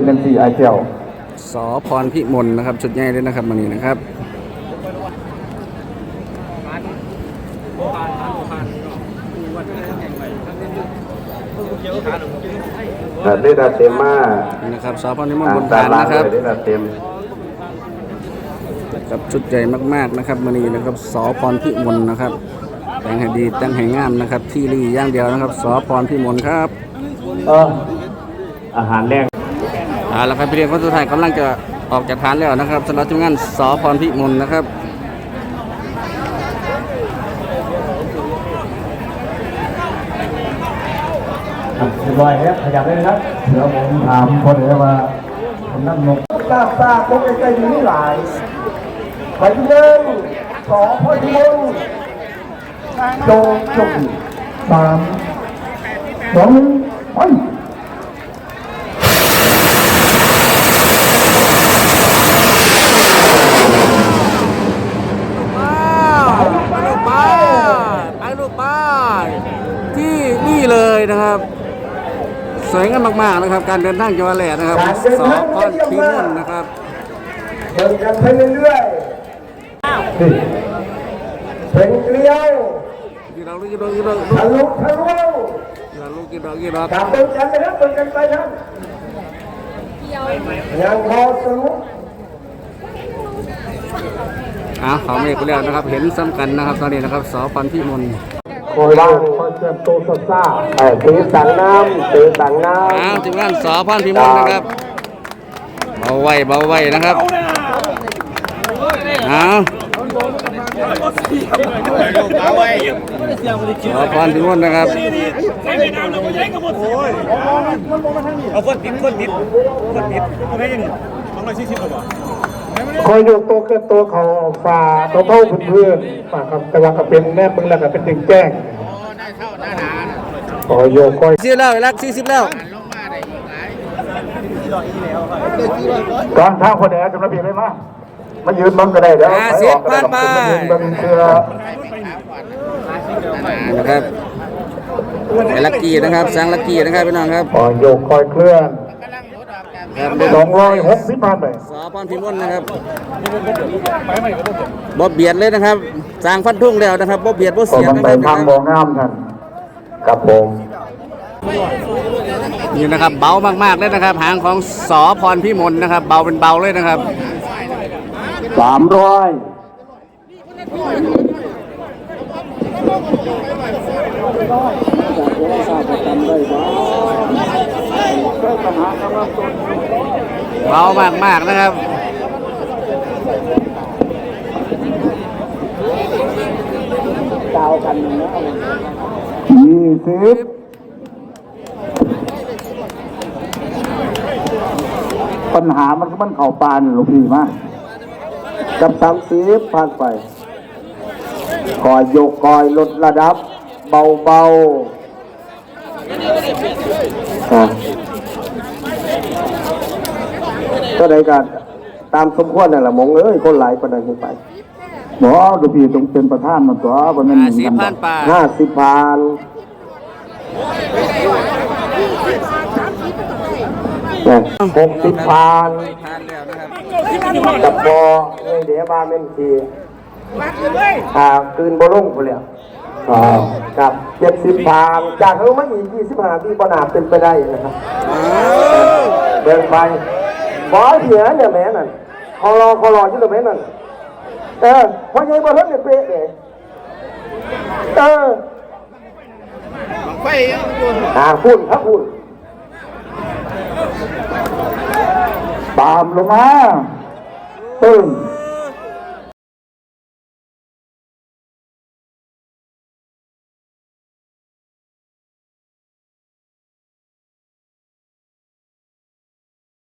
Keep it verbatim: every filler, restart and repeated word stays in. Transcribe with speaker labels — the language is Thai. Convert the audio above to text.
Speaker 1: เล่นสี่ไอเจียว
Speaker 2: สอพรพิมลนะครับชุดใหญ่เลยนะครับมันนี้นะครับ
Speaker 1: ได้ดาเต็มมาก
Speaker 2: นะครับสอพรพิมลบนฐานนะครับ
Speaker 1: ได้ดาเต็ม
Speaker 2: กับชุดใหญ่มากๆนะครับมันนี้นะครับสอพรพิมลนะครับแต่งให้ดีแต่งให้งามนะครับที่รีย่างเดียวนะครับสอพรพิมลครับ
Speaker 1: เอออาหารแรก
Speaker 2: อ่าแล้วครับพี่เลี้ยงคนสุดท้ายกำลังจะออกจากฐานแล้วนะครับสำหรับทีมงานสอพรพิมลนะครับ
Speaker 1: เรียบร้อยแล้วขยับได้เลยครับเดี๋ยวผมถามคนเดียวว่าผมนั่งงงตาตาโป๊กใกล้ๆนี่หลายไปเดินสอพรพิมลโจจบสามสองไป
Speaker 2: ที่นี่เลยนะครับสวยงามมากๆนะครับการเดินทางจังหวัดแหล่นะครับสอพรพิมลนะครับ
Speaker 1: เดินกันไปเรื่อยๆเป็นเกลียว
Speaker 2: กี่ดอกกี่ดอกกี่ดอก
Speaker 1: ทะลุทะลุ
Speaker 2: กี่ดอกกี่ดอกกี่ดอก
Speaker 1: กลับเดินกันนะครับเดินกันไปครับยังพอสนุก
Speaker 2: อ่ะเขาไม่ไปแล้วนะครับเห็นซ้ำกันนะครับตอนนี้นะครับสอพรพิมล
Speaker 1: คอยล่างคอยเชื่อมโตซ่าซ่าเออตีสังน้ำตีสังน้ำ
Speaker 2: อ้าวทีมงานสอพรพิมลนะครับเบาไว้เบาไว้นะครับอ้าวสอพรพิมลนะครับ
Speaker 3: เอาคนติดคนติดคนติดไม่ยังสองร้อยสี่สิบตัว
Speaker 1: คอยยกตัวเกินตัวเขาฝ่าตัวเท่าเพื่อนฝ่ากับแต่ว่าก็เป็นแนบมึงแล้วก็เป็นดึงแจ้งคอยโยกคอย
Speaker 2: สี่แล้วรักสี่สิบแล้ว
Speaker 1: ก่อนทางคนไหนจะมาเปลี่ยนไหมมามายืนบังก็ได้เดี๋ยว
Speaker 2: ห้าสิบพันไป
Speaker 1: บังเชือ
Speaker 2: นะครับลักกี้นะครับสร้างลักกี้นะครับพี่น้องครับ
Speaker 1: คอยโยกคอยเคลื่อนสองร้อยหกสิบพันไป
Speaker 2: สอพรพิมลนะครับบ่เบียดเลยนะครับสร้างฟันทุ่งแล้วนะครับบ่เบียดบ่เสียนะครับ
Speaker 1: ทางมองงามท่านกับผม
Speaker 2: นี่นะครับเบามากๆเลยนะครับหางของสอพรพิมลนะครับเบาเป็นเบาเลยนะครับ
Speaker 1: สามร้อย
Speaker 2: เบามากๆนะครับ
Speaker 1: ยี่สิบปัญหามันก็มันเข่าปานหลวงพี่มากับสามสิบผ่านไปคอยยกคอยลดระดับเบาๆก็ได้กันตามสมควรนั่นแหละมงเอ้ยคนหลายประเด็นขึ้นไปหมอดูพี่ต้องเป็นประธานมันตัวบนนั้น
Speaker 2: ห้าสิบพันป่า
Speaker 1: ห้าสิบพันหกสิบพันกับพอเลยเดี๋ยวมาเป็นทีอ่าคืนโบลุ่งไปแล้วกับเจ็ดสิบพันจากเขาไม่อีกยี่สิบห้าที่ปนาเป็นไปได้นะครับเดินไปบอสเหี้ยเนี่ยแม่นั่นคอรอคอรอชื่อแม่นั่นเออพอยังบอลเนี่ยเป๊ะเลยเอออ่าพุ่นครับพุ่นตามลงมาตึ้ง